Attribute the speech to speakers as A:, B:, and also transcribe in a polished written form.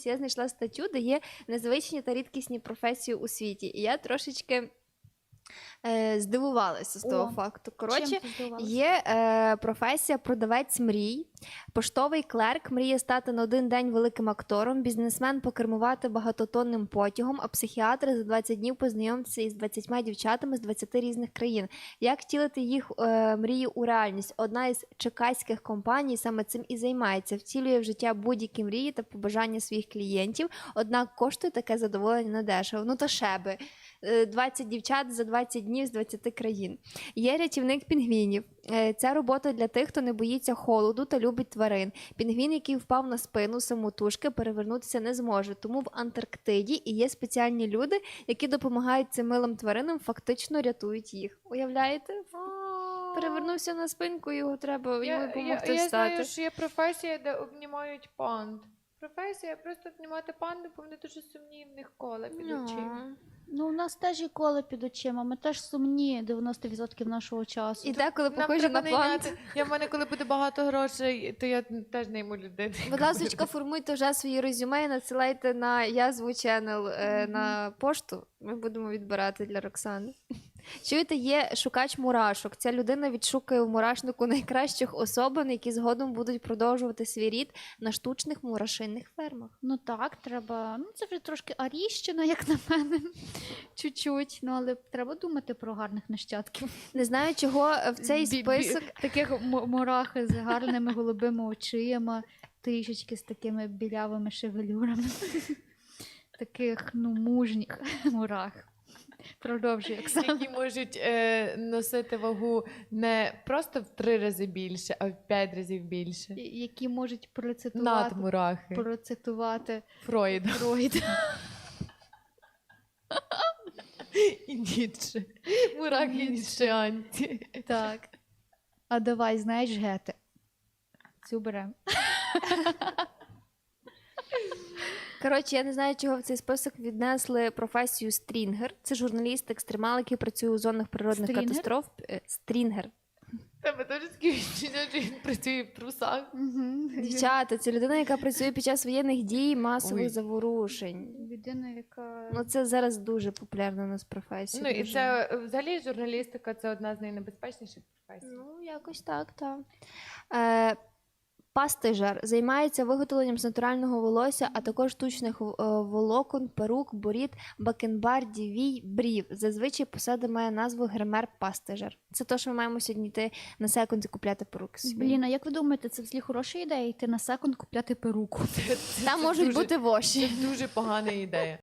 A: Я знайшла статтю, де є незвичні та рідкісні професії у світі. І я трошечки здивувалася з того факту. Коротше, є професія продавець мрій, поштовий клерк мріє стати на один день великим актором, бізнесмен покермувати багатотонним потягом, а психіатр за 20 днів познайомитися із 20 дівчатами з 20 різних країн. Як втілити їх мрії у реальність? Одна із чекаських компаній саме цим і займається. Втілює в життя будь-які мрії та побажання своїх клієнтів, однак коштує таке задоволення недешево. Ну то шеби. 20 дівчат за 20 днів з 20 країн. Є рятівник пінгвінів. Це робота для тих, хто не боїться холоду та любить тварин. Пінгвін, який впав на спину самотужки, перевернутися не зможе. Тому в Антарктиді і є спеціальні люди, які допомагають цим милим тваринам, фактично рятують їх. Уявляєте? Перевернувся на спинку, його треба йому допомогти
B: встати.
A: встати.
B: Я знаю, що є професія, де обнімають панд. Професія просто обнімати панду, бо вони дуже сумні, в них кола під очима.
C: Ну, у нас теж є коло під очима, ми теж сумні 90% нашого часу.
A: І деколи похожі на панд.
B: В мене, коли буде багато грошей, то я теж найму людей.
A: Будь ласка, формуйте вже свої резюме і надсилайте на Язву Channel на пошту. Ми будемо відбирати для Роксани. Чуєте, є шукач мурашок. Ця людина відшукає в мурашнику найкращих особин, які згодом будуть продовжувати свій рід на штучних мурашинних фермах.
C: Ну так, треба. Ну, це вже трошки аріщина, як на мене. Чуть-чуть. Ну, але треба думати про гарних нащадків.
A: Не знаю, чого в цей список...
C: Таких мурахи з гарними голубими очима, трішечки з такими білявими шевелюрами. Таких, ну, мужніх мурах. Продовжуй, Оксана.
B: Які можуть носити вагу не просто в 3 рази більше, а в 5 разів більше.
C: Які можуть
B: Надмурахи.
C: процитувати
B: Фройда. І Ніцше. Мурахи ніцшеанці.
C: Так. А давай, знаєш, Гете. Цю беремо.
A: Коротше, я не знаю, чого в цей список віднесли професію стрінгер. Це журналіст-екстремал, який працює у зонах природних катастроф. Стрінгер.
B: Тебе теж таке відчуття, що він працює в трусах.
A: Дівчата, це людина, яка працює під час воєнних дій, масових заворушень.
C: Людина, яка...
A: Ну, це зараз дуже популярна у нас професія.
B: Ну, і це, взагалі, журналістика – це одна з найнебезпечніших професій.
A: Ну, якось так, так. Пастижер займається виготовленням з натурального волосся, а також штучних волокон, перук, борід, бакенбардів, вій, брів. Зазвичай посада має назву гример-пастижер. Це те, що ми маємо сьогодні йти на секунд і купляти перуки собі.
C: Блін, а як ви думаєте, це взагалі хороша ідея йти на секунд купляти перуку?
A: Там можуть бути воші.
B: Це дуже погана ідея.